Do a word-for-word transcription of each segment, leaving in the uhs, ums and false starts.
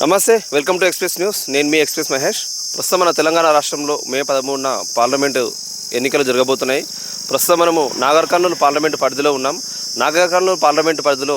నమస్తే, welcome to express news. నేను మీ express Mahesh. ప్రస్తుతం మన తెలంగాణ రాష్ట్రంలో మే పదమూడున పార్లమెంటు ఎన్నికలు జరగబోతున్నాయి. ప్రస్తుతం మనము నాగర్ కర్నూలు పార్లమెంటు పరిధిలో ఉన్నాం. నాగర్ కర్నూలు పార్లమెంటు పరిధిలో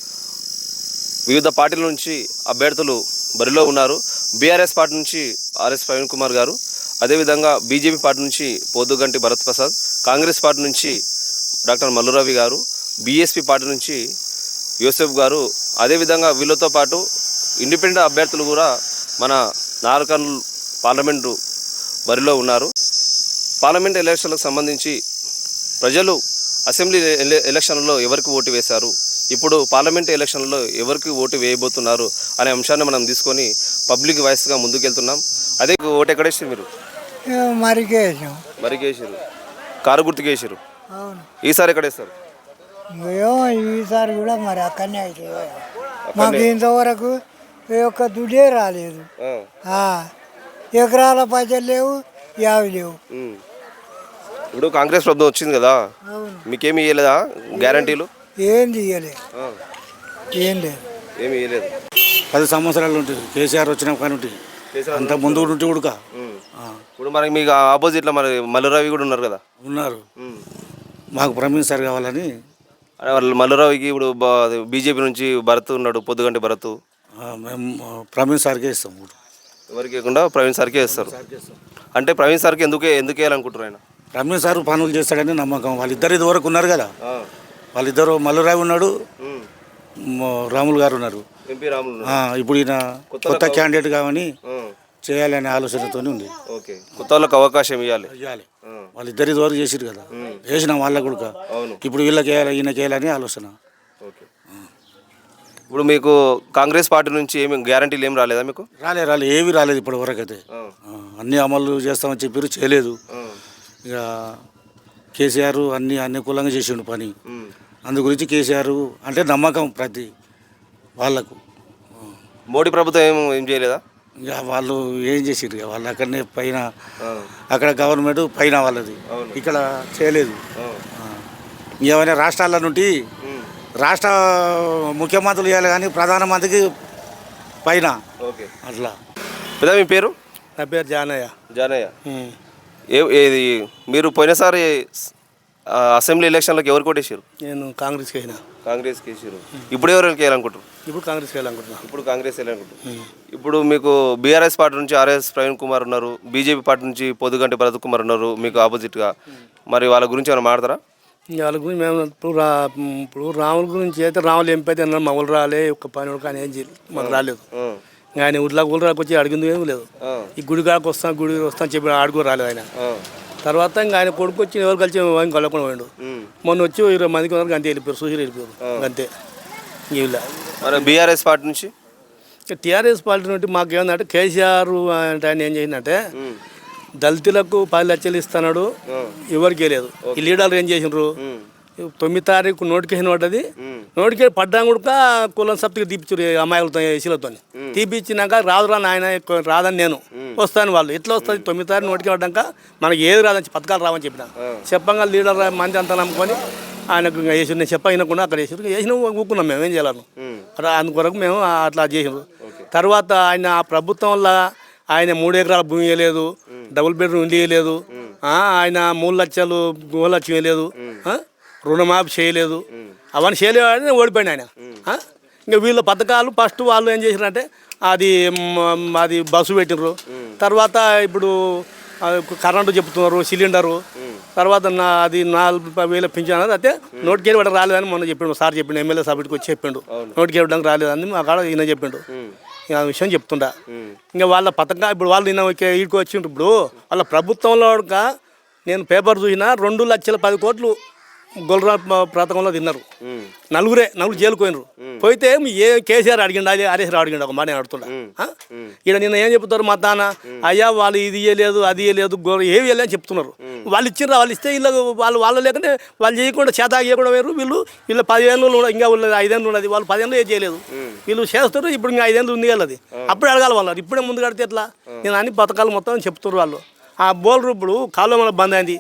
వివిధ పార్టీల నుంచి అభ్యర్థులు బరిలో ఉన్నారు. బీఆర్ఎస్ పార్టీ నుంచి ఆర్ఎస్ ప్రవీణ్ కుమార్ గారు, అదేవిధంగా బీజేపీ పార్టీ నుంచి పోదుగంటి భరత్ ప్రసాద్, కాంగ్రెస్ పార్టీ నుంచి doctor Mallu Ravi garu, BSP party నుంచి యూసెఫ్ గారు, అదేవిధంగా వీళ్ళతో పాటు ఇండిపెండెంట్ అభ్యర్థులు కూడా మన నాగర్ కర్నూలు పార్లమెంటు బరిలో ఉన్నారు. పార్లమెంట్ ఎలక్షన్లకు సంబంధించి ప్రజలు అసెంబ్లీ ఎలక్షన్లలో ఎవరికి ఓటు వేశారు, ఇప్పుడు పార్లమెంట్ ఎలక్షన్లలో ఎవరికి ఓటు వేయబోతున్నారు అనే అంశాన్ని మనం తీసుకొని పబ్లిక్ వాయిస్గా ముందుకెళ్తున్నాం. అదే ఓటు ఎక్కడేసారు మీరు? మరికేసాం మరికేసారు, కారు గుర్తుకేసారు. ఈసారి ఎక్కడేస్తారు? ఈసారి కూడా మరి అక్కడనే అయితే మాకు ఇంతవరకు ఒక్క దుడ్డే రాలేదు. ఎకరాల పైసలు లేవు, యావి లేవు. ఇప్పుడు కాంగ్రెస్ ప్రభుత్వం వచ్చింది కదా, మీకేమి ఇవ్వలేదా గ్యారంటీలు? ఏం తీయలేదు, ఏం లేదు, ఏమి ఇవ్వలేదు. పది సంవత్సరాలు ఉంటుంది కేసీఆర్ వచ్చిన కానీ ఉంటుంది, అంత ముందు ఉంటే ఉడక. ఇప్పుడు మరి మీకు ఆపోజిట్లో మరి మల్లురవి కూడా ఉన్నారు కదా? ఉన్నారు. మాకు ప్రవీణ్ సార్ కావాలని. మల్లురవికి ఇప్పుడు బీజేపీ నుంచి భరత్ ఉన్నాడు, పొద్దుగంటి భరత్. మేము ప్రవీణ్ సార్కే ఇస్తాం. ఎవరికి ఇవ్వకుండా ప్రవీణ్ సార్కే ఇస్తారు. అంటే ప్రవీణ్ సార్కి ఎందుకే ఎందుకు వేయాలనుకుంటారు ఆయన? ప్రవీణ్ సార్ పనులు చేస్తాడని నమ్మకం. వాళ్ళిద్దరు ఇది వరకు ఉన్నారు కదా, వాళ్ళిద్దరు మల్లురావి ఉన్నాడు, రాములు గారు ఉన్నారు. ఎంపీ రాములు. ఇప్పుడు ఈయన కొత్త క్యాండిడేట్ కావని చేయాలనే ఆలోచనతో ఉంది. ఓకే, కొత్త వాళ్ళకి అవకాశం ఇవ్వాలి ఇవ్వాలి. వాళ్ళిద్దరు ఇది వరకు చేసిరు కదా, వేసినాం వాళ్ళకు కూడా. ఇప్పుడు వీళ్ళకి వేయాలి, ఈయనకి వేయాలని ఆలోచన. ఓకే, ఇప్పుడు మీకు కాంగ్రెస్ పార్టీ నుంచి ఏమి గ్యారంటీలు ఏమి రాలేదా మీకు? రాలే రాలే ఏవి రాలేదు ఇప్పటి వరకు అయితే. అన్నీ అమలు చేస్తామని చెప్పారు, చేయలేదు. ఇక కేసీఆర్ అన్ని అనుకూలంగా చేసిండు పని. అందు గురించి కేసీఆర్ అంటే నమ్మకం ప్రతి వాళ్ళకు. మోడీ ప్రభుత్వం ఏం ఏం చేయలేదా? ఇక వాళ్ళు ఏం చేసిరు, ఇక వాళ్ళు అక్కడనే పైన, అక్కడ గవర్నమెంట్ పైన వాళ్ళది, ఇక్కడ చేయలేదు. ఏమైనా రాష్ట్రాల నుండి రాష్ట్ర ముఖ్యమంత్రులు ఇవ్వాలి కానీ ప్రధానమంత్రికి పైన అట్లా. పెద్ద మీ పేరు? నా పేరు జానయ్య. జానయ్య, ఏ ఏది మీరు పోయినసారి అసెంబ్లీ ఎలక్షన్లకు ఎవరు కొట్టేసారు? నేను కాంగ్రెస్కి అయినా. కాంగ్రెస్కి వేసారు. ఇప్పుడు ఎవరికి వేయాలనుకుంటారు? ఇప్పుడు కాంగ్రెస్కి వెళ్ళాలనుకుంటున్నా. ఇప్పుడు కాంగ్రెస్ వేయాలనుకుంటారు. ఇప్పుడు మీకు బీఆర్ఎస్ పార్టీ నుంచి ఆర్ఎస్ ప్రవీణ్ కుమార్ ఉన్నారు, బీజేపీ పార్టీ నుంచి పొద్దుగంటి భరత్ కుమార్ ఉన్నారు మీకు ఆపోజిట్గా. మరి వాళ్ళ గురించి ఏమైనా మాట్లాడతారా? వాళ్ళ గురించి మేము ఇప్పుడు రా ఇప్పుడు రాముల గురించి అయితే రాములు ఎంపీ అయితే అన్నారు, మమ్మల్ని రాలే ఒక్క పని కానీ ఏం చేయలేదు, మాకు రాలేదు. ఆయన ఊళ్ళో ఊళ్ళకి వచ్చి అడిగింది ఏమి లేదు. ఈ గుడి కాడికి వస్తాను గుడి వస్తాను చెప్పి ఆడుకు రాలేదు ఆయన. తర్వాత ఇంకా ఆయన కొడుకు వచ్చి ఎవరు కలిసి కలవకుండా పోయాడు. మొన్న వచ్చి ఇరవై మందికి వరకు అంతే వెళ్ళిపోయారు, చూసి వెళ్ళిపోయారు అంతే. వీళ్ళ మరి బీఆర్ఎస్ పార్టీ నుంచి టీఆర్ఎస్ పార్టీ నుండి మాకు ఏమందంటే కేసీఆర్ అంటే ఆయన ఏం చేసిందంటే దళితులకు పది లక్షలు ఇస్తున్నాడు, ఎవరికి లేదు. ఈ లీడర్లు ఏం చేసినారు, తొమ్మిది తారీఖు నోటిఫికేషన్ పడ్డది, నోటిఫికేషన్ పడ్డా కూడా కులం సప్తికి తీపిచ్చారు అమ్మాయిలతో శీలతో. తీపిచ్చినాక రాదు రా నాయన రాదని నేను వస్తాను, వాళ్ళు ఎట్లా వస్తుంది తొమ్మిది తారీఖు నోటిఫికేషన్ పడ్డాక మనకి ఏది రాదని పథకాలు రావని చెప్పిన. చెప్పంగా లీడర్ మంది అంతా నమ్ముకొని ఆయనకు వేసి నేను చెప్ప వినకుండా అక్కడ వేసి వేసిన ఊకున్నాం మేము, ఏం చేయాలను. అందుకొరకు మేము అట్లా చేసినారు. తర్వాత ఆయన ఆ ప్రభుత్వం వల్ల ఆయన మూడు ఎకరాల భూమి ఇవ్వలేదు, డబుల్ బెడ్రూమ్ ఇల్లు ఇవ్వలేదు, ఆయన మూడు లక్షలు మూడు లక్షలు ఇవ్వలేదు, రుణమాఫీ చేయలేదు, అవన్నీ చేయలేదని ఓడిపోయింది ఆయన. ఇంకా వీళ్ళ పథకాలు ఫస్ట్ వాళ్ళు ఏం చేసినారంటే అది అది బస్సు పెట్టినారు, తర్వాత ఇప్పుడు కరెంటు చెప్తున్నారు, సిలిండరు, తర్వాత నా అది నాలుగు వేల పింఛన్ అయితే నోటికి వెళ్ళి రాలేదని మొన్న చెప్పిండు సార్, చెప్పిండు ఎమ్మెల్యే సభ్యుడికి వచ్చి చెప్పిండు నోటికి వెళ్ళడానికి రాలేదని మా కాడ ఈయన చెప్పిండు. ఆ విషయం చెప్తుంటా. ఇంకా వాళ్ళ పథకం ఇప్పుడు వాళ్ళు నిన్న ఈడికి వచ్చిండ్రు. ఇప్పుడు వాళ్ళ ప్రభుత్వంలో నేను పేపర్ చూసిన రెండు లక్షల పది కోట్లు గొల్రా పథకంలో తిన్నారు. నలుగురే నలుగురు జైలుకు పోయినరు. పోయితే ఏ కేసీఆర్ అడిగిండు, అది హరీష్ రావు అడిగిండు, ఒక మాట నేను అడుగుతుండా. ఇక్కడ నిన్న ఏం చెప్తారు మా తాన, అయ్యా వాళ్ళు ఇది ఇవ్వలేదు అది ఇవ్వలేదు గోర ఏవి ఇవ్వలేదు అని చెప్తున్నారు. వాళ్ళు ఇచ్చిండ్రు, వాళ్ళు ఇస్తే వీళ్ళు వాళ్ళు వాళ్ళు లేకుంటే వాళ్ళు చేయకుండా చేత చేయకుండా వేరు. వీళ్ళు వీళ్ళు పదిహేను ఇంకా ఉన్నది, ఐదేళ్ళు ఉన్నది, వాళ్ళు పదిహేను ఏం చేయలేదు. వీళ్ళు చేస్తారు. ఇప్పుడు ఇంకా ఐదేళ్ళు ఉంది వాళ్ళది, అప్పుడే అడగాలి వాళ్ళు. ఇప్పుడే ముందు కడితే ఎట్లా? నేను అన్ని పథకాలు మొత్తం చెప్తున్నారు వాళ్ళు. ఆ బౌలర్ ఇప్పుడు కాలువ మన బంద్ అయింది.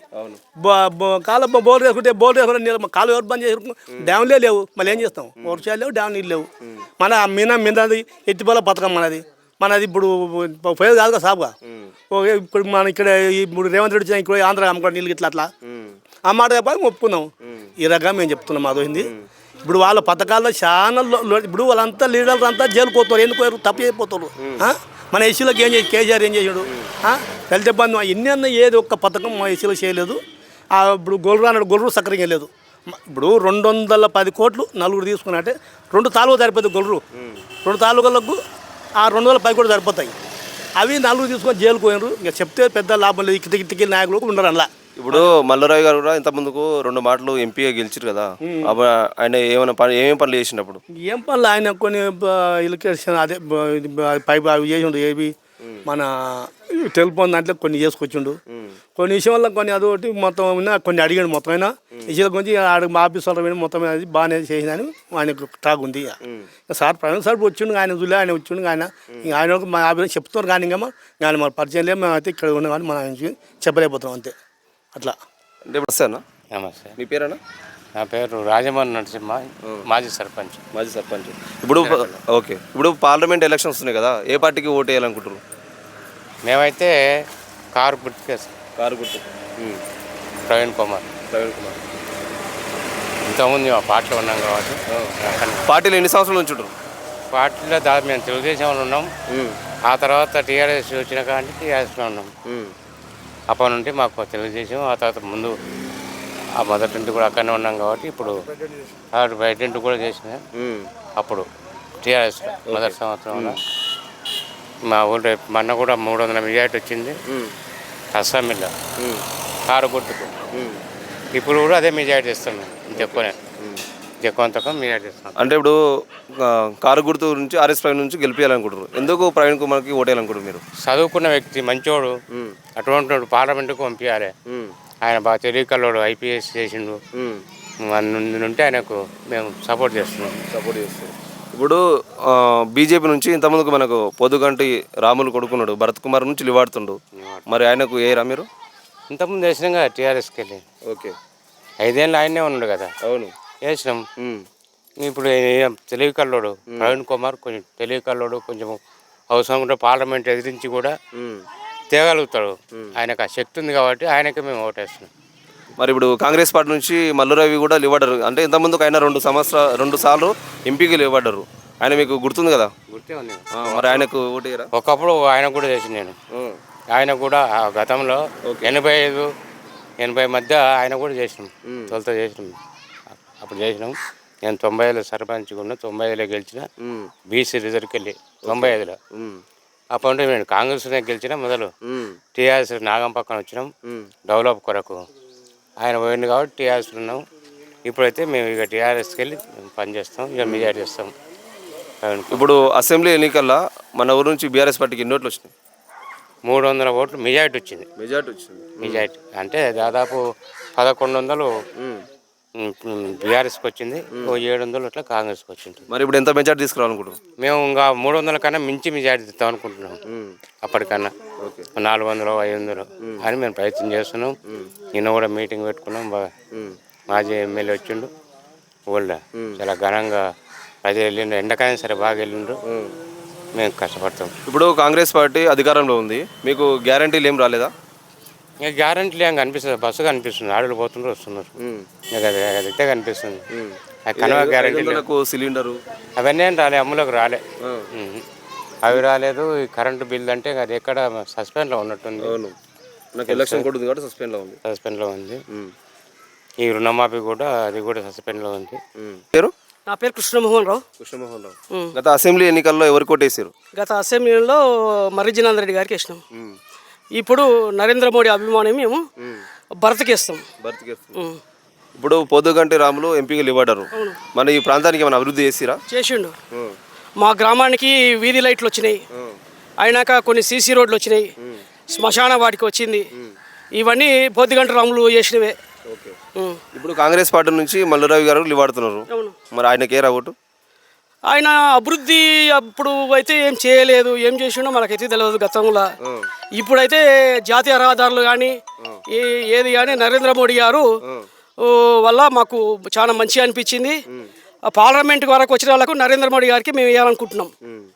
కాలువ బౌలర్ వేసుకుంటే బౌలర్ వేసుకుంటే కాలువ ఎవరు బంద్ చేసుకుంటాం? డ్యామ్లే లేవు, మళ్ళీ ఏం చేస్తాం? వర్షాలు లేవు, డ్యామ్ నీళ్ళు లేవు. మన మీనా మీనది ఎత్తిపోల పథకం మనది. మనది ఇప్పుడు పోయేది కాదుగా సాబుగా ఓకే ఇప్పుడు మన ఇక్కడ ఇప్పుడు రేవంత్ రెడ్డి ఇక్కడ ఆంధ్ర అమ్ముకోవడం నీళ్ళు ఇట్లా అట్లా ఆ మాట చెప్పాలి ఒప్పుకుందాం ఈ రకంగా మేము చెప్తున్నాం అదోయింది ఇప్పుడు వాళ్ళ పథకాల్లో చాలా ఇప్పుడు వాళ్ళంతా లీడర్లు అంతా జైలుకు పోతారు ఎందుకు పోయారు తప్పు అయిపోతారు మన ఎస్సీలకు ఏం చేసి కేసీఆర్ ఏం చేశాడు దళిత బంధు ఎన్ని అన్న ఏది ఒక్క పథకం మా ఎస్సీలో చేయలేదు ఇప్పుడు గొర్రెలు అన్నాడు గొర్రెలు సక్రంగా లేదు ఇప్పుడు రెండు వందల పది కోట్లు నలుగురు తీసుకున్నట్టే రెండు తాలూకా సరిపోతుంది గొర్రెలు రెండు తాలూకాలకు ఆ రెండు వందల పది కోట్లు సరిపోతాయి అవి నలుగురు తీసుకొని జైలుకు పోయినారు ఇక చెప్తే పెద్ద లాభం లేదు ఇక్కడికి ఇక్కడికి నాయకులు ఉండరు అలా ఇప్పుడు మల్లారావు గారు కూడా ఇంత ముందుకు రెండు మాటలు ఎంపీగా గెలిచారు కదా అప్పుడు ఆయన ఏమైనా పని ఏమేమి పనులు చేసినప్పుడు ఏం పనులు ఆయన కొన్ని ఇలకేషన్ అదే పై అవి చేసిండు ఏవి మన టెలిఫోన్ దాంట్లో కొన్ని చేసుకొచ్చిండు కొన్ని విషయంలో కొన్ని అదొకటి మొత్తం అయినా కొన్ని అడిగాడు మొత్తం అయినా విషయాల గురించి ఆడ మా ఆఫీస్ వాళ్ళు మొత్తం అది బాగానే చేసిందని ఆయనకు టాక్ ఉంది సార్ ప్రవీణ్ సార్ వచ్చిండు ఆయన చూలే ఆయన వచ్చిండు ఆయన ఆయన మా ఆఫీస్ చెప్తున్నారు కానీ ఇంకా ఆయన మన పరిచయం లేదు మేము అయితే ఇక్కడ ఉన్నాం కానీ మనం చెప్పలేకపోతున్నాం అంతే అట్లా అంటే ఇప్పుడు వస్తానా నమస్తే. మీ పేరేనా? నా పేరు రాజమోహన్ నరసింహ, మాజీ సర్పంచ్. మాజీ సర్పంచ్. ఇప్పుడు ఓకే ఇప్పుడు పార్లమెంట్ ఎలక్షన్స్ వస్తున్నాయి కదా, ఏ పార్టీకి ఓటు వేయాలనుకుంటారు? మేమైతే కారు గుర్తుకేస్తాం. కారు గుర్తు. ప్రవీణ్ కుమార్. ప్రవీణ్ కుమార్ ఇంతకుముందు మా పార్టీలో ఉన్నాం కాబట్టి. పార్టీలో ఎన్ని సంవత్సరాల నుంచి ఉంటారు? పార్టీలో దాదాపు మేము తెలుగుదేశంలో ఉన్నాం. ఆ తర్వాత టీఆర్ఎస్ వచ్చిన కానీ టీఆర్ఎస్లో ఉన్నాం. అప్పటి నుండి మాకు తెలుగుదేశం, ఆ తర్వాత ముందు ఆ మొదటి నుండి కూడా అక్కడనే ఉన్నాం కాబట్టి ఇప్పుడు థర్డ్ బయట ఇంటి కూడా చేసిన అప్పుడు టీఆర్ఎస్ మొదటి సంవత్సరంలో మా ఊళ్ళో మొన్న కూడా మూడు వందల మెజార్టీ వచ్చింది అసెంబ్లీలో కారు గుర్తుకు. ఇప్పుడు కూడా అదే మెజార్టీ ఇస్తాం మేము, ఇంకెక్కువనే ఎక్కువ తక్కువ మెజార్టీ ఇస్తాం. అంటే ఇప్పుడు కారు గుర్తు నుంచి ఆర్ఎస్ ప్రవీణ్ నుంచి గెలిపించాలనుకుంటారు. ఎందుకు ప్రవీణ్ కుమార్కి ఓటేయాలనుకుంటారు మీరు? చదువుకున్న వ్యక్తి, మంచోడు, అటువంటి పార్లమెంటుకు పంపించాలి. ఆయన బాగా తెలియకల్లోడు, ఐపీఎస్ చేసిండు. ఉంటే ఆయనకు మేము సపోర్ట్ చేస్తున్నాం. సపోర్ట్ చేస్తాం. ఇప్పుడు బీజేపీ నుంచి ఇంతకుముందుకు మనకు పొద్దుగంటి రాములు కొడుకున్నాడు, భరత్ కుమార్ నుంచి లివాడుతుండు. మరి ఆయనకు ఏరా మీరు? ఇంతకుముందు వేసినాం కదా టీఆర్ఎస్కి వెళ్ళి. ఓకే, ఐదేళ్ళు ఆయనే ఉన్నాడు కదా. అవును, వేసినాం. ఇప్పుడు తెలివికల్లోడు ప్రవీణ్ కుమార్ కొంచెం తెలివికల్లోడు, కొంచెం అవసరం ఉంటే పార్లమెంట్ ఎదిరించి కూడా తేగలుగుతాడు. ఆయనకు ఆ శక్తి ఉంది కాబట్టి ఆయనకే మేము ఓటేస్తున్నాం. మరి ఇప్పుడు కాంగ్రెస్ పార్టీ నుంచి మల్లురవి కూడా లివ్వడారు. అంటే ఇంతకుముందుకు ఆయన రెండు సంవత్సరాలు రెండు సార్లు ఎంపీకి లివ్వడారు. ఆయన మీకు గుర్తుంది కదా? గుర్తే ఉంది. మరి ఆయనకు ఓటేయరా? ఒకప్పుడు ఆయన కూడా చేసి నేను ఆయన కూడా గతంలో ఎనభై ఐదు ఎనభై మధ్య ఆయన కూడా చేసినాం. తొలత చేసినాం. అప్పుడు చేసినాం. నేను తొంభై ఐదులో సర్పంచ్ ఉన్నా, తొంభై ఐదులో గెలిచిన బీసీ రిజర్వ్కి వెళ్ళి తొంభై ఐదులో. అప్పుడు నేను కాంగ్రెస్లో గెలిచిన మొదలు టీఆర్ఎస్ నాగం పక్కన వచ్చినాం డెవలప్ కొరకు. ఆయన పోయింది కాబట్టి టీఆర్ఎస్లో ఉన్నాం. ఇప్పుడైతే మేము ఇక టీఆర్ఎస్కి వెళ్ళి పనిచేస్తాం, ఇక మెజార్టీ చేస్తాం. ఇప్పుడు అసెంబ్లీ ఎన్నికల్లో మన ఊరు నుంచి బీఆర్ఎస్ పార్టీకి ఎన్ని ఓట్లు వచ్చినాయి? మూడు వందల ఓట్లు మెజార్టీ వచ్చింది. మెజార్టీ వచ్చింది. మెజార్టీ అంటే దాదాపు పదకొండు వందలు బీఆర్ఎస్కి వచ్చింది, ఓ ఏడు వందలు అట్లా కాంగ్రెస్కి వచ్చింది. మరి ఇప్పుడు ఎంత మెజార్టీ తీసుకురావాలనుకుంటున్నాం? మేము ఇంకా మూడు వందల కన్నా మించి మెజార్టీ ఇస్తాం అనుకుంటున్నాం. అప్పటికన్నా నాలుగు వందలు ఐదు వందలు అని మేము ప్రయత్నం చేస్తున్నాం. నిన్న కూడా మీటింగ్ పెట్టుకున్నాం. బాగా మాజీ ఎమ్మెల్యే వచ్చిండు. ఊళ్ళో చాలా ఘనంగా ప్రజలు వెళ్ళిండ్రు. ఎండకాలం సరే బాగా వెళ్ళిండ్రు. మేము కష్టపడతాం. ఇప్పుడు కాంగ్రెస్ పార్టీ అధికారంలో ఉంది, మీకు గ్యారంటీలు ఏం రాలేదా? ఇక గ్యారంటీలు ఏం కనిపిస్తుంది? బస్సు కనిపిస్తుంది, ఆడలు పోతుండ్రు వస్తున్నారు. ఇక అదైతే కనిపిస్తుంది. కనవ గ్యారంటీలు సిలిండరు అవన్నీ ఏం రాలే, అమ్ములకు రాలే. అవి రాలేదు. ఈ కరెంటు బిల్ అంటే అది ఎక్కడ సస్పెండ్లో ఉన్నట్టుంది. నాకు ఎలక్షన్ కూడా ఉంది కాబట్టి సస్పెండ్లో ఉంది. సస్పెండ్లో ఉంది. ఈ రుణమాఫీ కూడా అది కూడా సస్పెండ్లో ఉంది. పేరు? నా పేరు కృష్ణమోహన్ రావు. కృష్ణమోహన్ రావు. గత అసెంబ్లీ ఎన్నికల్లో ఎవరు కొట్టేసారు? గత అసెంబ్లీలో మర్రిజనాథ్ రెడ్డి గారికి వేసినాం. ఇప్పుడు నరేంద్ర మోడీ అభిమానం మేము భరత్కి వేస్తాం. ఇప్పుడు పొద్దుగంటి రాములు ఎంపీగా ఇవ్వడారు. మన ఈ ప్రాంతానికి ఏమైనా అభివృద్ధి చేసిరా? చేసిండు. మా గ్రామానికి వీధి లైట్లు వచ్చినాయి. అయినాక కొన్ని సీసీ రోడ్లు వచ్చినాయి. శ్మశాన వాటికి వచ్చింది. ఇవన్నీ పొద్దుగంటి రాములు చేసినవే. ఇప్పుడు కాంగ్రెస్ పార్టీ నుంచి మల్లురావి గారు లివాడుతున్నారు. మరి ఆయనకే రా ఓటు? ఆయన అభివృద్ధి అప్పుడు అయితే ఏం చేయలేదు. ఏం చేసిండో మనకైతే తెలియదు గతంలో. ఇప్పుడైతే జాతీయ రహదారులు కానీ ఏ ఏది కానీ నరేంద్ర మోడీ గారు వల్ల మాకు చాలా మంచిగా అనిపించింది. పార్లమెంట్ వరకు వచ్చిన వాళ్ళకు నరేంద్ర మోడీ గారికి మేము వేయాలనుకుంటున్నాం.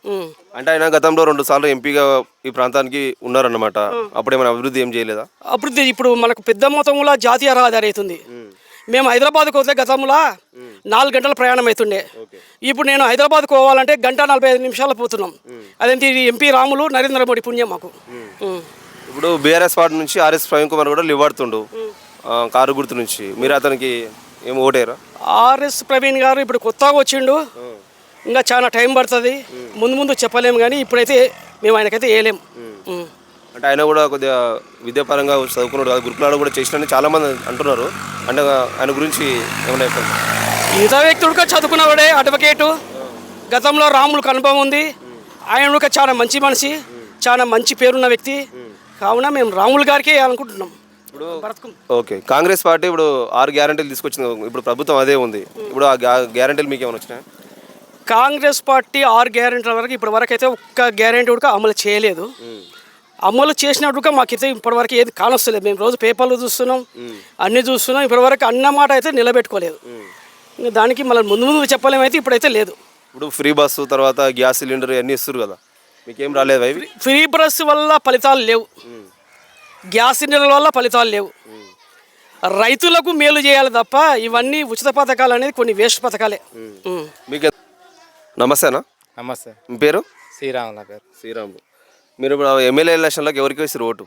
ఉమ్. అంటే ఆయన గతంలో రెండు సార్లు ఎంపీగా ఈ ప్రాంతానికి ఉన్నారన్నమాట. అప్పుడు ఏమైనా అభివృద్ధి ఏం చేయలేదా? అభివృద్ధి ఇప్పుడు మనకు పెద్ద మొత్తంలో జాతీయ రహదారి అవుతుంది. మేము హైదరాబాద్కు వస్తే గతంలో నాలుగు గంటల ప్రయాణం అవుతుండే. ఇప్పుడు నేను హైదరాబాద్కు పోవాలంటే గంట నలభై ఐదు నిమిషాలు పోతున్నాం. అదేంటి ఇది ఎంపీ రాములు నరేంద్ర మోడీ పుణ్యం మాకు. ఉమ్. ఇప్పుడు బీఆర్ఎస్ పార్టీ నుంచి ఆర్ఎస్ ప్రవీణ్ కుమార్ కూడా లివాడుతుండు కారు గుర్తు నుంచి. మీరు అతనికి ఏం ఓటేరా? ఆర్ఎస్ ప్రవీణ్ గారు ఇప్పుడు కొత్తగా వచ్చిండు, ఇంకా చాలా టైం పడుతుంది. ముందు ముందు చెప్పలేము, కానీ ఇప్పుడైతే మేము ఆయనకైతే వేయలేము. ఉమ్. అంటే ఆయన కూడా కొద్దిగా విద్యాపరంగా చదువుకున్నాడు కదా, గురుకులాలు కూడా చేసినని చాలామంది అంటున్నారు. అంటే ఆయన గురించి ఏమైనా చెప్పండి. మిగతా వ్యక్తుడుగా చదువుకున్నవాడే అడ్వకేటు, గతంలో రాములకు అనుభవం ఉంది. ఆయన కూడా చాలా మంచి మనిషి, చాలా మంచి పేరున్న వ్యక్తి. కావున మేము రాములు గారికి అనుకుంటున్నాం. ఇప్పుడు ఓకే, కాంగ్రెస్ పార్టీ ఇప్పుడు ఆరు గ్యారెంటీలు తీసుకొచ్చింది. ఇప్పుడు ప్రభుత్వం అదే ఉంది. ఇప్పుడు ఆ గ్యారెంటీలు మీకు ఏమైనా వచ్చినాయి? కాంగ్రెస్ పార్టీ ఆరు గ్యారెంటీల వరకు ఇప్పటి వరకు అయితే ఒక్క గ్యారెంటీ కూడా అమలు చేయలేదు. అమలు చేసినట్టుగా మాకైతే ఇప్పటివరకు ఏది కానొస్తలేదు. మేము రోజు పేపర్లు చూస్తున్నాం, అన్నీ చూస్తున్నాం. ఇప్పటివరకు అన్న మాట అయితే నిలబెట్టుకోలేదు. ఇంకా దానికి మళ్ళీ ముందు ముందు చెప్పలేమైతే ఇప్పుడైతే లేదు. ఇప్పుడు ఫ్రీ బస్సు తర్వాత గ్యాస్ సిలిండర్ అన్నీ ఇస్తారు కదా, మీకేం రాలేదు అవి? ఫ్రీ బస్ వల్ల ఫలితాలు లేవు, గ్యాస్ సిలిండర్ల వల్ల ఫలితాలు లేవు. రైతులకు మేలు చేయాలి తప్ప ఇవన్నీ ఉచిత పథకాలు అనేది కొన్ని వేస్ట్ పథకాలే. మీకు నమస్తేనా? నమస్తే. మీ పేరు? శ్రీరామ్ నా పేరు. శ్రీరాములు. మీరు ఇప్పుడు ఎమ్మెల్యే ఎలక్షన్లోకి ఎవరికి వేస్తారు ఓటు?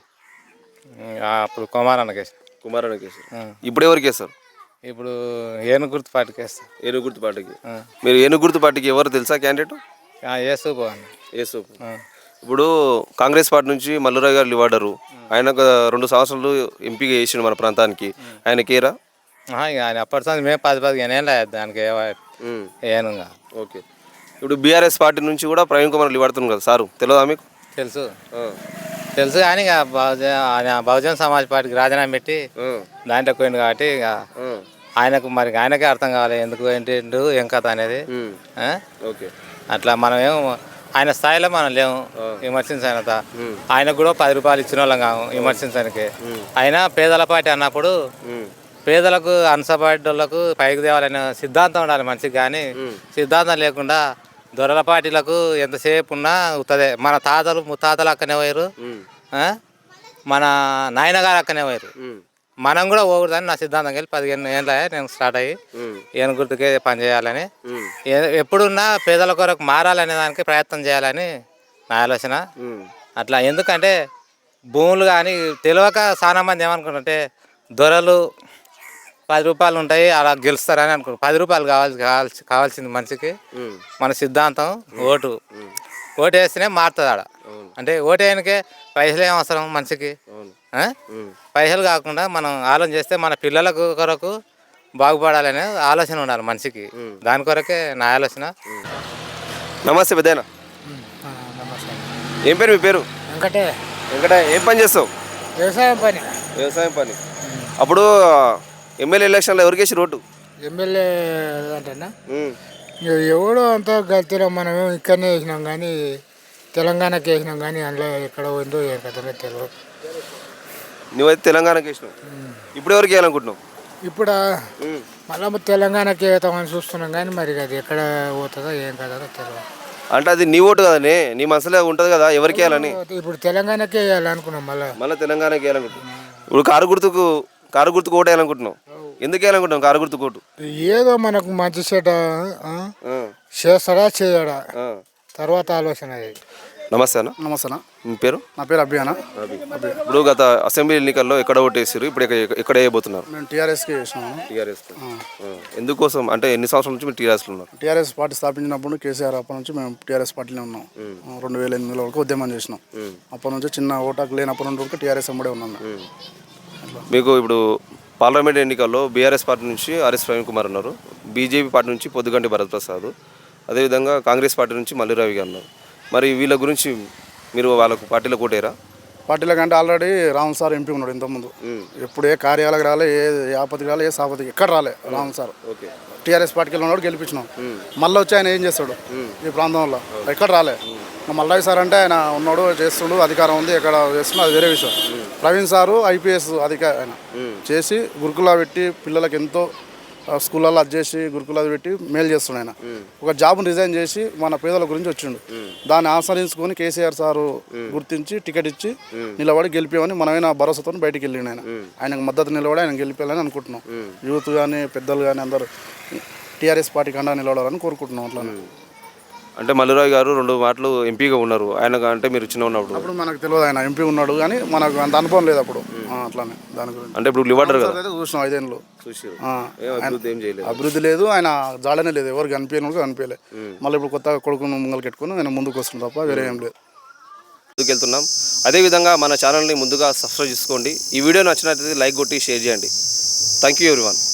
అప్పుడు కుమారన్నకి వేస్తాను. కుమారానికి వేస్తారు. ఇప్పుడు ఎవరికి వేస్తారు? ఇప్పుడు ఏను గుర్తు పార్టీకి వేస్తాను. ఏనుగు గుర్తు పార్టీకి. మీరు ఏనుగు గుర్తు పార్టీకి ఎవరు తెలుసా క్యాండిడేట్? ఏసు పోవాలి. ఏసు. ఇప్పుడు కాంగ్రెస్ పార్టీ నుంచి మల్లురావు గారు లివాడరు. ఆయన ఒక రెండు సంవత్సరాలు ఎంపీగా చేసిండు మన ప్రాంతానికి. ఆయన కేరా? ఆయన అప్పటి సంది మేము పది పదిహేను ఏం లేదు దానికి ఏను. ఓకే. ఇప్పుడు బీఆర్ఎస్ పార్టీ నుంచి కూడా ప్రవీణ్ కుమార్ లివాడుతున్నాడు కదా సారు, తెలియదా మీకు? తెలుసు తెలుసు కానీ ఇక బహుజన ఆయన బహుజన సమాజ్ పార్టీకి రాజీనామా పెట్టి దాంట్లో పోయింది కాబట్టి ఇక ఆయనకు మరి ఆయనకే అర్థం కావాలి ఎందుకు ఏంటి ఏం కథ అనేది. ఓకే. అట్లా మనం ఏం ఆయన స్థాయిలో మనం లేము విమర్శించనంత. ఆయనకు కూడా పది రూపాయలు ఇచ్చిన వాళ్ళం కాము విమర్శించడానికి. అయినా పేదల పార్టీ అన్నప్పుడు పేదలకు అనసపడ్డ వాళ్ళకు పైకి తేవాలనే సిద్ధాంతం ఉండాలి మనిషికి. కానీ సిద్ధాంతం లేకుండా దొరల పార్టీలకు ఎంతసేపు ఉన్నా అవుతుంది. మన తాతలు ముత్తాతలు అక్కనే పోయారు, మన నాయనగారు అక్కనే పోయారు. మనం కూడా పోకూడదని నా సిద్ధాంతం వెళ్ళి పదిహేను ఏళ్ళ నేను స్టార్ట్ అయ్యి ఏను గుర్తుకే పనిచేయాలని, ఎప్పుడున్నా పేదల కొరకు మారాలనే దానికి ప్రయత్నం చేయాలని నా ఆలోచన. అట్లా ఎందుకంటే భూములు కానీ తెలియక చాలా మంది ఏమనుకుంటుంటే దొరలు పది రూపాయలు ఉంటాయి అలా గెలుస్తారని అనుకో. పది రూపాయలు కావాల్సి కావాల్సి కావాల్సింది మనిషికి మన సిద్ధాంతం ఓటు. ఓటు వేస్తేనే మారుతుంది ఆడ. అంటే ఓటు వేయడానికే పైసలు ఏం అవసరం మనిషికి. పైసలు కాకుండా మనం ఆలోచన చేస్తే మన పిల్లలకు కొరకు బాగుపడాలనే ఆలోచన ఉండాలి మనిషికి. దాని కొరకే నా ఆలోచన. నమస్తే పెద్దయినా. ఏం పేరు మీ పేరు? వెంకటే. వెంకట, ఏం పని చేస్తావు? వ్యవసాయం పని. వ్యవసాయం పని. అప్పుడు ఎమ్మెల్యే ఎలక్షన్లో ఎవరికి వేసి రోడ్డు? ఎమ్మెల్యే అంటేనా ఎవడో అంతా గతిలో మనం ఇక్కడనే వేసినాం కానీ తెలంగాణకి వేసినాం కానీ అందులో ఎక్కడ ఉందో ఏ కథలో తెలియదు. నువ్వైతే తెలంగాణకి వేసినావు. ఇప్పుడు ఎవరికి వేయాలనుకుంటున్నావు? ఇప్పుడు మళ్ళీ తెలంగాణకి వేస్తామని చూస్తున్నాం కానీ మరి అది ఎక్కడ పోతుందో ఏం కథో తెలియదు. అంటే అది నీ ఓటు కదనే, నీ మనసులో ఉంటుంది కదా ఎవరికి వేయాలని. ఇప్పుడు తెలంగాణకే వేయాలనుకున్నాం. మళ్ళీ మళ్ళీ తెలంగాణకి వేయాలనుకుంటున్నావు. ఇప్పుడు కారు గుర్తుకు కారు గుర్తుకు ఓటు వేయాలనుకుంటున్నావు. ఎందుకు వేయాలనుకుంటున్నావు కారు గుర్తుకు ఓటు? ఏదో మనకు మంచి చెడ్డ చేస్తాడా చేయడా తర్వాత ఆలోచన. నమస్తే అన్న. నమస్తే అన్న. మీ పేరు? నా పేరు అభి అన్న. ఇప్పుడు గత అసెంబ్లీ ఎన్నికల్లో ఎక్కడ ఓటేసారు, ఇప్పుడు ఎక్కడ వేయబోతున్నారు? మేము టీఆర్ఎస్కి వేసినాము. టీఆర్ఎస్. ఎందుకోసం అంటే ఎన్ని సంవత్సరాల నుంచి మీరు టీఆర్ఎస్లో ఉన్నారు? టీఆర్ఎస్ పార్టీ స్థాపించినప్పుడు కేసీఆర్ అప్పటి నుంచి మేము టీఆర్ఎస్ పార్టీలో ఉన్నాం. రెండు వేల ఎనిమిదిలో వరకు ఉద్యమం చేసినాం. అప్పటి నుంచి చిన్న ఓటాకు లేనప్పటి నుండి వరకు టీఆర్ఎస్ అమ్మడే ఉన్నాం. మీకు ఇప్పుడు పార్లమెంట్ ఎన్నికల్లో బీఆర్ఎస్ పార్టీ నుంచి ఆర్ఎస్ ప్రవీణ్ కుమార్ ఉన్నారు, బీజేపీ పార్టీ నుంచి పొద్దుగంటి భరత్ ప్రసాద్, అదేవిధంగా కాంగ్రెస్ పార్టీ నుంచి మల్లిరావి గారు ఉన్నారు. మరి వీళ్ళ గురించి మీరు వాళ్ళకు పార్టీలో కోటేరా? పార్టీల కంటే ఆల్రెడీ రామ్ సార్ ఎంపీ ఉన్నాడు ఇంతకుముందు. ఎప్పుడు ఏ కార్యాలకు రాలే, ఏ ఆపత్తికి రాలే, ఏ సాపత్తికి ఎక్కడ రాలే రామ్ సార్. టీఆర్ఎస్ పార్టీకి ఉన్నాడు, గెలిపించినాం. మళ్ళీ వచ్చి ఆయన ఏం చేస్తాడు ఈ ప్రాంతంలో? ఎక్కడ రాలే. మల్లయ్య సార్ అంటే ఆయన ఉన్నాడు, చేస్తుండు, అధికారం ఉంది, ఎక్కడ చేస్తున్నాడు, అది వేరే విషయం. ప్రవీణ్ సారు ఐపీఎస్ అధికారి ఆయన చేసి గురుకులా పెట్టి పిల్లలకి ఎంతో ఆ స్కూళ్ళల్లో అది చేసి గురుకులాది పెట్టి మేలు చేస్తుండే ఆయన. ఒక జాబ్ని రిజైన్ చేసి మన పేదల గురించి వచ్చిండు. దాన్ని ఆశ్రయించుకొని కేసీఆర్ సారు గుర్తించి టికెట్ ఇచ్చి నిలబడి గెలిపామని మనమైనా భరోసాతో బయటికి వెళ్ళిండు ఆయన. ఆయనకు మద్దతు నిలబడి ఆయన గెలిపేయాలని అనుకుంటున్నాం. యూత్ కానీ పెద్దలు కానీ అందరూ టీఆర్ఎస్ పార్టీ కండా నిలబడాలని కోరుకుంటున్నాం. అట్లా అంటే మల్లురావు గారు రెండు మాటలు ఎంపీగా ఉన్నారు. ఆయన అంటే మీరు చిన్న ఉన్నప్పుడు అప్పుడు మనకు తెలియదు ఆయన ఎంపీ ఉన్నాడు కానీ మనకు అంత అనుభవం లేదు అప్పుడు. ఆ, అట్లానే దాని గురించి అంటే ఇప్పుడు లివాటర్ కదా అయితే చూసినాం ఐదేళ్ళు. చూసారు ఆ, అభివృద్ధి ఏం చేయలేదు. అభివృద్ధి లేదు, ఆయన జాడనే లేదు, ఎవరు కనిపించను కనిపించలే. మళ్ళీ ఇప్పుడు కొత్త కొడుకును ముంగలు పెట్టుకుని ఆయన ముందుకు వస్తుంది తప్ప వేరే ఏం లేదు. ముందుకు వెళ్తున్నాం. అదేవిధంగా మన ఛానల్ని ముందుగా సబ్స్క్రైబ్ చేసుకోండి. ఈ వీడియో నచ్చినట్లయితే లైక్ కొట్టి షేర్ చేయండి. Thank you everyone.